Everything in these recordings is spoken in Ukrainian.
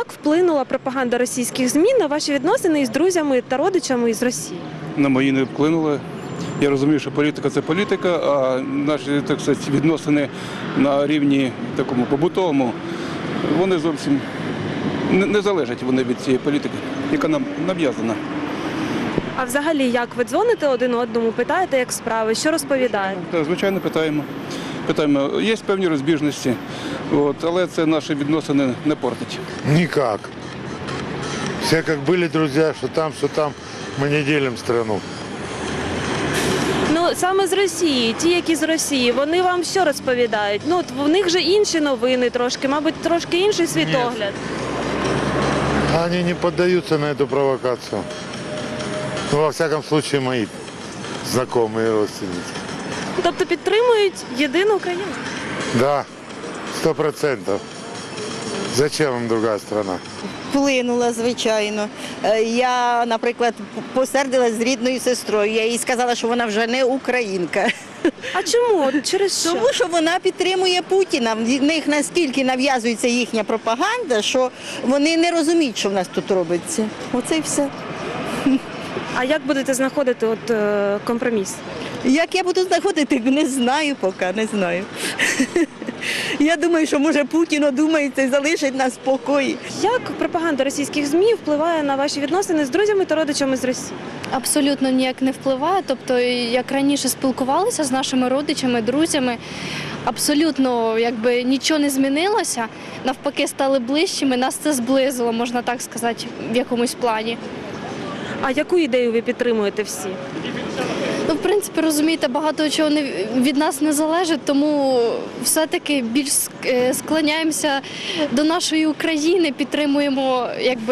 Як вплинула пропаганда російських ЗМІ на ваші відносини із друзями та родичами із Росії? На мої не вплинули. Я розумію, що політика – це політика, а наші, так сказати, відносини на рівні такому побутовому, вони зовсім не залежать вони від цієї політики, яка нам нав'язана. А взагалі, як ви дзвоните один одному, питаєте, як справи, що розповідаєте? Так, звичайно, питаємо. Є певні розбіжності, але це наші відносини не портить. Никак. Все как были друзья, что там, мы не делим страну. Ну, саме з Росії, ті, які з Росії, вони вам що розповідають? Ну, от в них же інші новини трошки, мабуть, трошки інший світогляд. Они не поддаются на эту провокацию. Ну, во всяком случае, мои знакомые и родственники. Тобто підтримують єдину Україну? Да, 100%. Зачем им другая страна? Вплинула, звичайно. Я, наприклад, посердилась з рідною сестрою. Я їй сказала, що вона вже не українка. А чому? От через що? Тому що вона підтримує Путіна. В них настільки нав'язується їхня пропаганда, що вони не розуміють, що в нас тут робиться. Оце і все. А як будете знаходити компроміс? Як я буду знаходити, не знаю поки, не знаю. Я думаю, що може Путін одумається і залишить нас в спокої. Як пропаганда російських ЗМІ впливає на ваші відносини з друзями та родичами з Росії? Абсолютно ніяк не впливає. Тобто, як раніше спілкувалися з нашими родичами, друзями, абсолютно нічого не змінилося. Навпаки, стали ближчими, нас це зблизило, можна так сказати, в якомусь плані. А яку ідею ви підтримуєте всі? Ну, в принципі, розумієте, багато чого від нас не залежить, тому все-таки більш склоняємося до нашої України, підтримуємо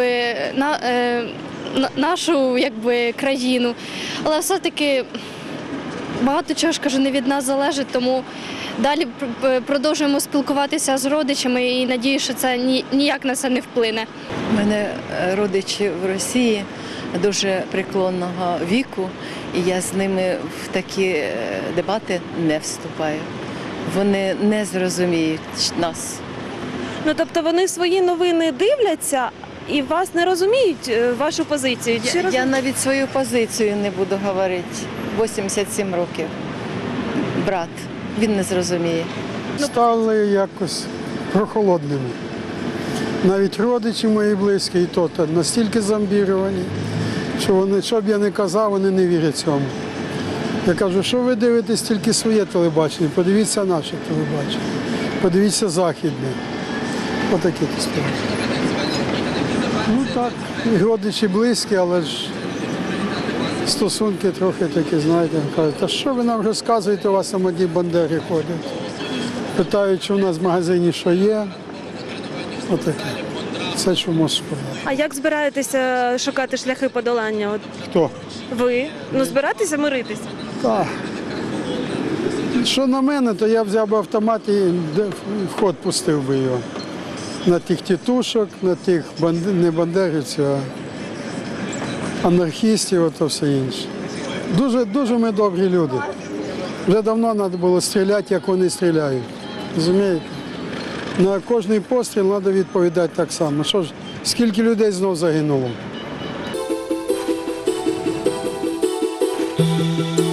нашу країну. Але все-таки багато чого ж кажу, не від нас залежить, тому далі продовжуємо спілкуватися з родичами і надію, що це ніяк на це не вплине. У мене родичі в Росії дуже преклонного віку, і я з ними в такі дебати не вступаю. Вони не зрозуміють нас. Ну, тобто вони свої новини дивляться і вас не розуміють, вашу позицію? Я навіть свою позицію не буду говорити. 87 років. Брат, він не зрозуміє. Стали якось прохолодними. Навіть родичі мої близькі, і то настільки зомбіровані, що вони, що б я не казав, вони не вірять цьому. Я кажу, що ви дивитесь тільки своє телебачення, подивіться наше телебачення, подивіться західне. Отакі то справи. Ну так, і родичі близькі, але ж стосунки трохи такі, знаєте, кажуть, та що ви нам розказуєте, у вас там одні бандери ходять. Питають, чи у нас в магазині що є. Отаке. Це що можу сказати. А як збираєтеся шукати шляхи подолання? Хто? Ви? Ну, збираєтеся миритися? Так. Що на мене, то я взяв би автомат і в ход пустив би його. На тих тітушок, на тих не бандерівців, а анархістів, ото все інше. Дуже ми добрі люди. Вже давно треба було стріляти, як вони стріляють. Розумієте? На кожний постріл треба відповідати так само. Що ж, скільки людей знов загинуло?